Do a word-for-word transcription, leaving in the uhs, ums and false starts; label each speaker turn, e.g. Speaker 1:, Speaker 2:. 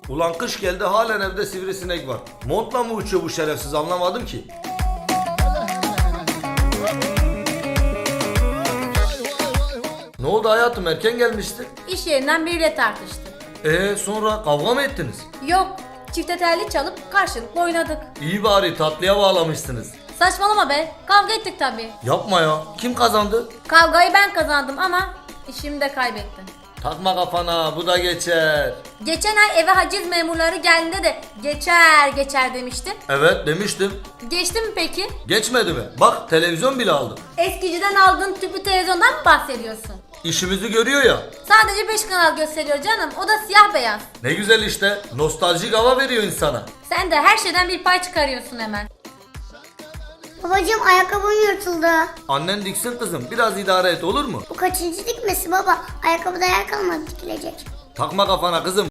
Speaker 1: Ulan kış geldi halen evde sivrisinek var. Montla mı uçuyor bu şerefsiz anlamadım ki. Ne oldu hayatım, erken gelmiştin?
Speaker 2: İş yerinden biriyle tartıştık.
Speaker 1: Ee sonra kavga mı ettiniz?
Speaker 2: Yok, çifte telli çalıp karşılıklı oynadık.
Speaker 1: İyi bari tatlıya bağlamışsınız.
Speaker 2: Saçmalama be, kavga ettik tabii.
Speaker 1: Yapma ya, kim kazandı?
Speaker 2: Kavgayı ben kazandım ama işimi de kaybettim.
Speaker 1: Takma kafana, bu da geçer.
Speaker 2: Geçen ay eve haciz memurları geldiğinde de geçer geçer demiştin.
Speaker 1: Evet demiştim.
Speaker 2: Geçti mi peki?
Speaker 1: Geçmedi mi? Bak televizyon bile aldım.
Speaker 2: Eskiciden aldığın tüplü televizyondan mı bahsediyorsun?
Speaker 1: İşimizi görüyor ya.
Speaker 2: Sadece beş kanal gösteriyor canım, o da siyah beyaz.
Speaker 1: Ne güzel işte, nostaljik hava veriyor insana.
Speaker 2: Sen de her şeyden bir pay çıkarıyorsun hemen.
Speaker 3: Babacığım ayakkabım yırtıldı.
Speaker 1: Annen diksin kızım, biraz idare et olur mu?
Speaker 3: Bu kaçıncı dikmesi baba? Ayakkabıda yer kalmadı dikilecek.
Speaker 1: Takma kafana kızım.